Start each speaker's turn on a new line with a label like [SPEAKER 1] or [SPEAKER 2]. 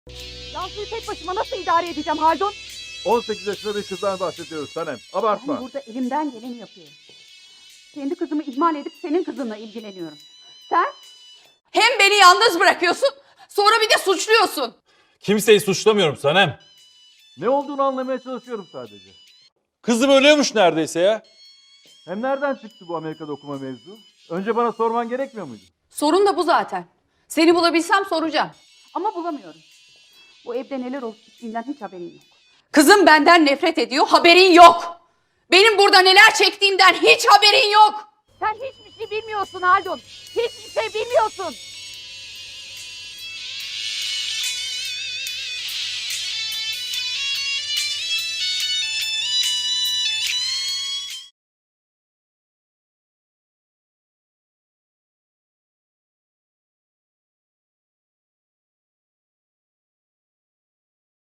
[SPEAKER 1] Nazlı'yı tek başıma nasıl idare edeceğim Haldun?
[SPEAKER 2] 18 yaşında bir kızdan bahsediyoruz Sanem. Abartma.
[SPEAKER 1] Ben burada elimden geleni yapıyorum. Kendi kızımı ihmal edip senin kızınla ilgileniyorum. Sen?
[SPEAKER 3] Hem beni yalnız bırakıyorsun, sonra bir de suçluyorsun.
[SPEAKER 4] Kimseyi suçlamıyorum Sanem.
[SPEAKER 2] Ne olduğunu anlamaya çalışıyorum sadece.
[SPEAKER 4] Kızım ölüyormuş neredeyse ya.
[SPEAKER 2] Hem nereden çıktı bu Amerika'da okuma mevzu? Önce bana sorman gerekmiyor muydu?
[SPEAKER 3] Sorun da bu zaten. Seni bulabilsem soracağım.
[SPEAKER 1] Ama bulamıyorum. Bu evde neler olup bittiğinden hiç haberin yok.
[SPEAKER 3] Kızım benden nefret ediyor, haberin yok. Benim burada neler çektiğimden hiç haberin yok.
[SPEAKER 1] Sen hiçbir şey bilmiyorsun Haldun. Hiçbir şey bilmiyorsun.